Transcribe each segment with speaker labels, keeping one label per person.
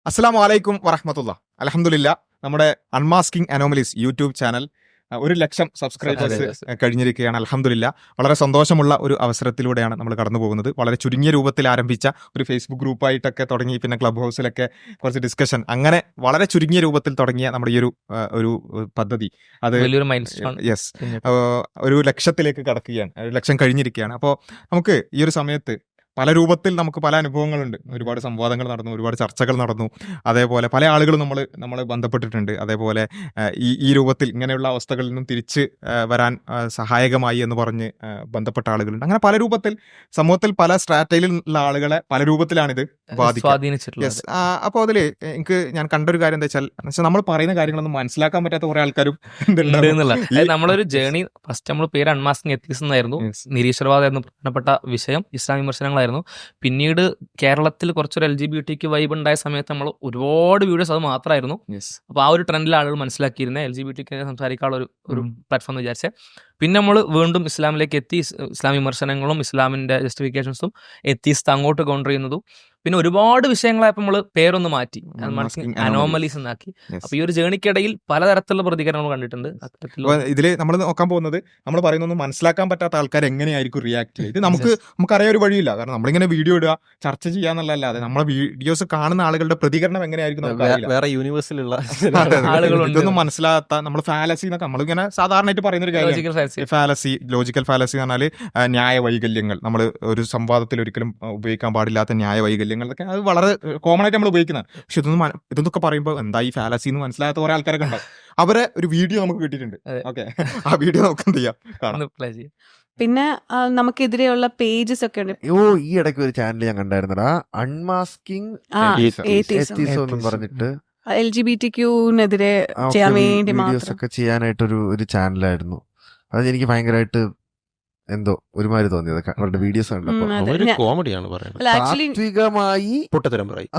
Speaker 1: അസ്സലാമു അലൈക്കും വറഹ്മത്തുള്ളാ. അൽഹംദുലില്ലാ നമ്മുടെ unmasking anomalies YouTube channel 1,00,000 subscribers കഴിഞ്ഞിരിക്കുകയാണ്. അൽഹംദുലില്ലാ. വളരെ സന്തോഷമുള്ള ഒരു അവസരത്തിലൂടെയാണ് നമ്മൾ കടന്നു പോകുന്നത്. വളരെ ചുരുങ്ങിയ രൂപത്തിൽ ആരംഭിച്ച ഒരു ഫേസ്ബുക്ക് ഗ്രൂപ്പായിട്ടൊക്കെ തുടങ്ങി, പിന്നെ ക്ലബ് ഹൗസിലൊക്കെ കുറച്ച് ഡിസ്കഷൻ, അങ്ങനെ വളരെ ചുരുങ്ങിയ രൂപത്തിൽ തുടങ്ങിയ നമ്മുടെ ഈ ഒരു പദ്ധതി അത്
Speaker 2: വലിയൊരു മൈൽസ്റ്റോൺ.
Speaker 1: യെസ്, 1,00,000 കടക്കുകയാണ്. 1,00,000 കഴിഞ്ഞിരിക്കുകയാണ്. അപ്പോൾ നമുക്ക് ഈ ഒരു സമയത്ത് പല രൂപത്തിൽ നമുക്ക് പല അനുഭവങ്ങളുണ്ട്. ഒരുപാട് സംവാദങ്ങൾ നടന്നു, ഒരുപാട് ചർച്ചകൾ നടന്നു. അതേപോലെ പല ആളുകളും നമ്മളെ ബന്ധപ്പെട്ടിട്ടുണ്ട്. അതേപോലെ ഈ രൂപത്തിൽ ഇങ്ങനെയുള്ള അവസ്ഥകളിൽ നിന്നും തിരിച്ച് വരാൻ സഹായകമായി എന്ന് പറഞ്ഞ് ബന്ധപ്പെട്ട ആളുകളുണ്ട്. അങ്ങനെ പല രൂപത്തിൽ സമൂഹത്തിൽ പല സ്ട്രാറ്റയിലുള്ള ആളുകളെ പല രൂപത്തിലാണിത്
Speaker 2: സ്വാധീനിച്ചിട്ടുള്ളത്.
Speaker 1: അപ്പോൾ അതിൽ ഞാൻ കണ്ടൊരു കാര്യം എന്താ വെച്ചാൽ നമ്മൾ പറയുന്ന കാര്യങ്ങളൊന്നും മനസ്സിലാക്കാൻ പറ്റാത്ത കുറെ ആൾക്കാരും
Speaker 2: നമ്മളൊരു ജേണി ഫസ്റ്റ് നമ്മൾ പേര് അൺമാസ്കിംഗ് എത്തിക്സ് എന്നായിരുന്നു. നിരീശ്വരവാദം എന്ന പ്രധാനപ്പെട്ട വിഷയം ഇസ്ലാം വിമർശനങ്ങളായിരുന്നു. പിന്നീട് കേരളത്തിൽ കുറച്ചൊരു LGBT വൈബ് ഉണ്ടായ സമയത്ത് നമ്മൾ ഒരുപാട് വീഡിയോസ് അത് മാത്രമായിരുന്നു. അപ്പോൾ ആ ഒരു ട്രെൻഡിൽ ആളുകൾ മനസ്സിലാക്കിയിരുന്നത് LGBT സംസാരിക്കാനുള്ള ഒരു പ്ലാറ്റ്ഫോം എന്ന് വിചാരിച്ചേ. പിന്നെ നമ്മൾ വീണ്ടും ഇസ്ലാമിലേക്ക് എത്തി. ഇസ്ലാം വിമർശനങ്ങളും ഇസ്ലാമിന്റെ ജസ്റ്റിഫിക്കേഷൻസും എത്തിസ്റ്റ് അങ്ങോട്ട് കൗണ്ടർ ചെയ്യുന്നതും പിന്നെ ഒരുപാട് വിഷയങ്ങളായപ്പോൾ നമ്മൾ പേരൊന്ന് മാറ്റി അനോമലീസ് എന്നാക്കി. അപ്പൊ ഈ ഒരു ജേണിക്കിടയിൽ പലതരത്തിലുള്ള പ്രതികരണങ്ങൾ കണ്ടിട്ടുണ്ട്.
Speaker 1: ഇതിൽ നമ്മൾ നോക്കാൻ പോകുന്നത്, നമ്മൾ പറയുന്നൊന്നും മനസ്സിലാക്കാൻ പറ്റാത്ത ആൾക്കാർ എങ്ങനെയായിരിക്കും റിയാക്ട് ചെയ്യുക. ഇത് നമുക്കറിയാൻ ഒരു വഴിയില്ല. കാരണം നമ്മളിങ്ങനെ വീഡിയോ ഇടുക, ചർച്ച ചെയ്യാന്നുള്ളതല്ലാതെ നമ്മളെ വീഡിയോസ് കാണുന്ന ആളുകളുടെ പ്രതികരണം എങ്ങനെയായിരിക്കും
Speaker 3: വേറെ യൂണിവേഴ്സിലുള്ള
Speaker 2: ആളുകളുണ്ട്.
Speaker 1: ഇതൊന്നും മനസ്സിലാത്ത നമ്മൾ ഫാലസി എന്നൊക്കെ നമ്മളിങ്ങനെ സാധാരണയായിട്ട് പറയുന്ന ഒരു കാര്യം. ഫാലസി, ലോജിക്കൽ ഫാലസി എന്ന് പറഞ്ഞാൽ ന്യായ വൈകല്യങ്ങൾ. നമ്മൾ ഒരു സംവാദത്തിൽ ഒരിക്കലും ഉപയോഗിക്കാൻ പാടില്ലാത്ത ന്യായ വൈകല്യങ്ങളൊക്കെ അത് വളരെ കോമൺ ആയിട്ട് നമ്മൾ ഉപയോഗിക്കുന്നത്. പക്ഷെ ഇതൊക്കെ പറയുമ്പോൾ എന്താ ഈ ഫാലസി എന്ന് മനസ്സിലാത്ത കുറെ ആൾക്കാരൊക്കെ ഉണ്ടാവും. അവരെ ഒരു വീഡിയോ നമുക്ക് കിട്ടിയിട്ടുണ്ട്. ഓക്കെ, ആ വീഡിയോ നമുക്ക് എന്ത് ചെയ്യാം.
Speaker 4: പിന്നെ നമുക്കെതിരെയുള്ള പേജസ് ഒക്കെ ഉണ്ട്.
Speaker 3: ഈ ഇടയ്ക്ക് ഒരു ചാനൽ ഞാൻ കണ്ടായിരുന്നടാ, അൺമാസ്കിംഗ് എന്നും പറഞ്ഞിട്ട്
Speaker 4: LGBTQ-നെതിരെ ചെയ്യാൻ വേണ്ടി
Speaker 3: വീഡിയോസ് ഒക്കെ ചെയ്യാനായിട്ടൊരു ചാനലായിരുന്നു. അത് എനിക്ക് ഭയങ്കരമായിട്ട് എന്തോ ഒരുമാതിരി തോന്നിയത് അവരുടെ വീഡിയോസ് കണ്ടപ്പോൾ.
Speaker 5: കോമഡിയാണ് പറയുന്നത്.
Speaker 3: താത്വികമായി
Speaker 5: പൊട്ടത്തരം പറയും.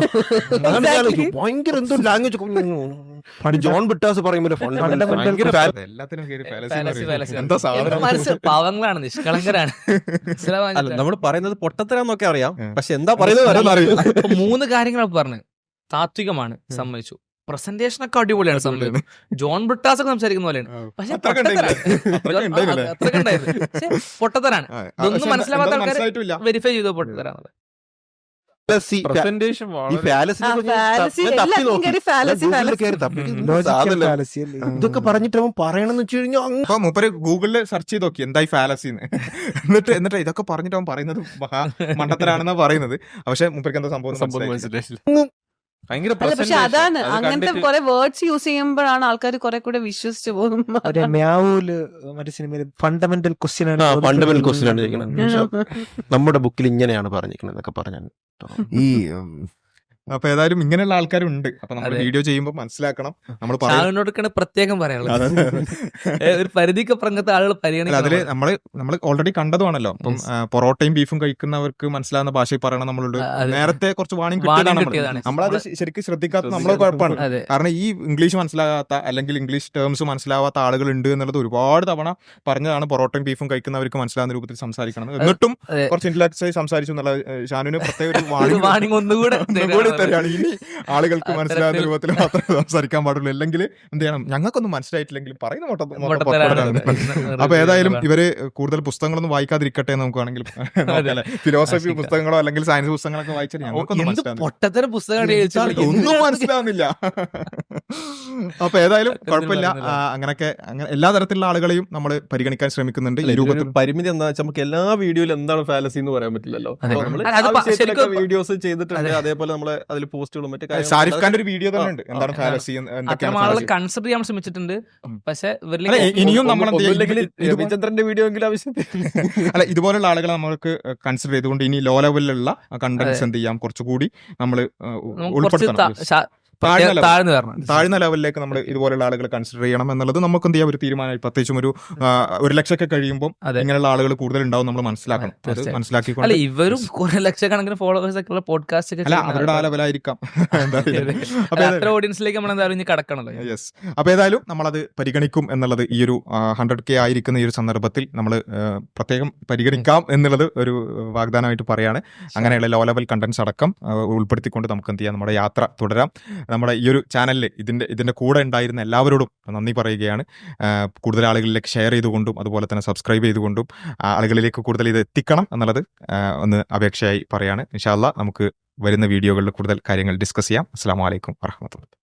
Speaker 5: ഭയങ്കര എന്തോ ലാംഗ്വേജ് ജോൺ ബിട്ടാസ് പറയുമ്പോൾ
Speaker 2: പാവങ്ങളാണ്, നിഷ്കളങ്കരാണ്.
Speaker 5: നമ്മൾ പറയുന്നത് പൊട്ടത്തരം എന്നൊക്കെ അറിയാം, പക്ഷെ എന്താ പറയുന്നത്
Speaker 2: 3 കാര്യങ്ങൾ പറഞ്ഞു. താത്വികമാണ്, സമ്മതിച്ചു. പ്രസന്റേഷൻ ഒക്കെ അടിപൊളിയാണ്, സമ്മതിച്ചു. ജോൺ ബ്രിട്ടാസ് ഒക്കെ സംസാരിക്കുന്ന പോലെയാണ്, പക്ഷെ പൊട്ടത്തരാണ്. ഇതൊന്നും മനസ്സിലാവാത്ത ആൾക്കാർ വെരിഫൈ ചെയ്തോ പൊട്ടത്തരാണ്.
Speaker 5: ഇതൊക്കെ പറഞ്ഞിട്ട് അവൻ പറയണമെന്ന് വെച്ച് കഴിഞ്ഞാൽ
Speaker 1: മൂപ്പര് ഗൂഗിളിൽ സെർച്ച് ചെയ്ത് നോക്കി എന്തായി ഫാലസി എന്നിട്ട് ഇതൊക്കെ പറഞ്ഞിട്ട് അവൻ പറയുന്നത് മണ്ടത്തരാണെന്നാ പറയുന്നത്. പക്ഷെ മൂപ്പർക്ക് എന്താ സംഭവം
Speaker 4: പക്ഷെ അതാണ്, അങ്ങനത്തെ കുറെ വേർഡ്സ് യൂസ് ചെയ്യുമ്പോഴാണ് ആൾക്കാർ കുറെ കൂടെ വിശ്വസിച്ചു പോകും.
Speaker 5: ഫണ്ടമെന്റൽ ക്വസ്റ്റ്യൻ ആണ് നമ്മുടെ ബുക്കിൽ ഇങ്ങനെയാണ് പറഞ്ഞിരിക്കുന്നത് എന്നൊക്കെ പറഞ്ഞാൽ
Speaker 3: ഈ
Speaker 1: അപ്പൊ ഏതായാലും ഇങ്ങനെയുള്ള ആൾക്കാരുണ്ട്. അപ്പൊ നമ്മൾ വീഡിയോ ചെയ്യുമ്പോൾ മനസ്സിലാക്കണം.
Speaker 2: നമ്മൾ പ്രത്യേകം പറയാനുള്ളത് ഒരു പരിധിക്ക് പറഞ്ഞത്തെ ആളുകൾ പരിഗണിക്കണം.
Speaker 1: അതില് നമ്മൾ ഓൾറെഡി കണ്ടതുമാണല്ലോ. ഇപ്പം പൊറോട്ടയും ബീഫും കഴിക്കുന്നവർക്ക് മനസ്സിലാവുന്ന ഭാഷയിൽ പറയണം. നമ്മളോട് നേരത്തെ കുറച്ച് വാണിംഗ് കിട്ടിയതാണ്. നമ്മളത് ശരിക്കും ശ്രദ്ധിക്കാത്ത നമ്മളെ കുഴപ്പമാണ്. കാരണം ഈ ഇംഗ്ലീഷ് മനസ്സിലാകാത്ത അല്ലെങ്കിൽ ഇംഗ്ലീഷ് ടേംസ് മനസ്സിലാവാത്ത ആളുകൾ ഉണ്ട് എന്നുള്ളത് ഒരുപാട് തവണ പറഞ്ഞതാണ്. പൊറോട്ടയും ബീഫും കഴിക്കുന്നവർക്ക് മനസ്സിലാവുന്ന രൂപത്തിൽ സംസാരിക്കണം. എന്നിട്ടും കുറച്ച് ഇന്റലക്ച്വലി സംസാരിച്ചു എന്നുള്ള ഷാനുവിന് പ്രത്യേക ഒരു
Speaker 2: വാണിംഗ് ഒന്നുകൂടെ
Speaker 1: തരാണ്. ഇനി ആളുകൾക്ക് മനസ്സിലാവുന്ന രൂപത്തിൽ മാത്രമേ സംസാരിക്കാൻ പാടുള്ളൂ. അല്ലെങ്കിൽ എന്ത് ചെയ്യണം, ഞങ്ങൾക്കൊന്നും മനസ്സിലായിട്ടില്ലെങ്കിൽ പറയുന്ന അപ്പൊ ഏതായാലും ഇവര് കൂടുതൽ പുസ്തകങ്ങളൊന്നും വായിക്കാതിരിക്കട്ടെ എന്ന് നമുക്ക് വേണമെങ്കിൽ ഫിലോസഫി പുസ്തകങ്ങളോ അല്ലെങ്കിൽ സയൻസ് പുസ്തകങ്ങളൊക്കെ വായിച്ചാൽ ഞങ്ങൾക്കൊന്നും ഒന്നും മനസ്സിലാവുന്നില്ല. അപ്പൊ ഏതായാലും കുഴപ്പമില്ല. അങ്ങനെയൊക്കെ എല്ലാ തരത്തിലുള്ള ആളുകളെയും നമ്മൾ പരിഗണിക്കാൻ ശ്രമിക്കുന്നുണ്ട്. ഈ രൂപത്തിൽ
Speaker 5: പരിമിതി എന്താ വെച്ചാൽ നമുക്ക് എല്ലാ വീഡിയോയിലും എന്താണ് ഫാലസി എന്ന് പറയാൻ പറ്റില്ലല്ലോ. വീഡിയോസ് ചെയ്തിട്ടുണ്ട്. അതേപോലെ നമ്മള് അതിൽ പോസ്റ്റുകളും മറ്റേ
Speaker 1: ഷാരിഫ് ഖാന്റെ ഒരു വീഡിയോ തന്നെ ഉണ്ട്, എന്താണ് ഫാലസി
Speaker 2: കൺസിഡർ ചെയ്യാൻ ശ്രമിച്ചിട്ടുണ്ട്. പക്ഷെ
Speaker 1: ഇനിയും നമ്മൾ
Speaker 5: രവിചന്ദ്രന്റെ വീഡിയോ എങ്കിലും ആവശ്യത്തിൽ
Speaker 1: അല്ല, ഇതുപോലുള്ള ആളുകളെ നമ്മൾക്ക് കൺസിഡർ ചെയ്തുകൊണ്ട് ഇനി ലോ ലെവലിലുള്ള കണ്ടന്റ്സ് എന്ത് ചെയ്യാം, കുറച്ചുകൂടി നമ്മൾ ഉൾപ്പെടുത്തണം.
Speaker 2: താഴ്ന്നു വരണം.
Speaker 1: താഴ്ന്ന ലെവലിലേക്ക് നമ്മൾ ഇതുപോലുള്ള ആളുകളെ കൺസിഡർ ചെയ്യണം എന്നുള്ളത് നമുക്ക് എന്ത് ചെയ്യാം ഒരു തീരുമാനമായി. പ്രത്യേകിച്ചും ഒരു 1 ലക്ഷമൊക്കെ കഴിയുമ്പോൾ ഇങ്ങനെയുള്ള ആളുകൾ കൂടുതൽ ഉണ്ടാവും നമ്മൾ മനസ്സിലാക്കണം. അത് മനസ്സിലാക്കിക്കൊണ്ട്
Speaker 2: അല്ല ഇവരും കുറെ ലക്ഷക്കണക്കിന് ഫോളോവേഴ്സ് ഒക്കെ ഉള്ള പോഡ്കാസ്റ്റ് ഒക്കെ
Speaker 1: അല്ല അവരുടെ ആ ലെവലായിരിക്കാം.
Speaker 2: അത്ര ഓഡിയൻസിലേക്ക് നമ്മൾ എന്തായാലും ഇനി കടക്കണല്ലോ.
Speaker 1: യെസ്. അപ്പൊ ഏതായാലും നമ്മളത് പരിഗണിക്കും എന്നുള്ളത് ഈ ഒരു 100K ആയിരിക്കുന്ന ഈ ഒരു സന്ദർഭത്തിൽ നമ്മൾ പ്രത്യേകം പരിഗണിക്കാം എന്നുള്ളത് ഒരു വാഗ്ദാനമായിട്ട് പറയാണ്. അങ്ങനെയുള്ള ലോ ലെവൽ കണ്ടന്റ്സ് അടക്കം ഉൾപ്പെടുത്തിക്കൊണ്ട് നമുക്ക് എന്ത് ചെയ്യാം, നമ്മുടെ യാത്ര തുടരാം. നമ്മുടെ ഈ ഒരു ചാനലിൽ ഇതിന്റെ കൂടെ ഉണ്ടായിരുന്ന എല്ലാവരോടും നന്ദി പറയുകയാണ്. കൂടുതൽ ആളുകളിലേക്ക് ഷെയർ ചെയ്തുകൊണ്ടും അതുപോലെ തന്നെ സബ്സ്ക്രൈബ് ചെയ്തുകൊണ്ടും ആളുകളിലേക്ക് കൂടുതൽ ഇത് എത്തിക്കണം എന്നുള്ളത് ഒന്ന് അപേക്ഷയായി പറയാണ്. ഇൻഷാ അല്ലാഹ് നമുക്ക് വരുന്ന വീഡിയോകളിൽ കൂടുതൽ കാര്യങ്ങൾ ഡിസ്കസ് ചെയ്യാം. അസ്സലാമു അലൈക്കും വറഹ്മത്തുള്ളാഹി.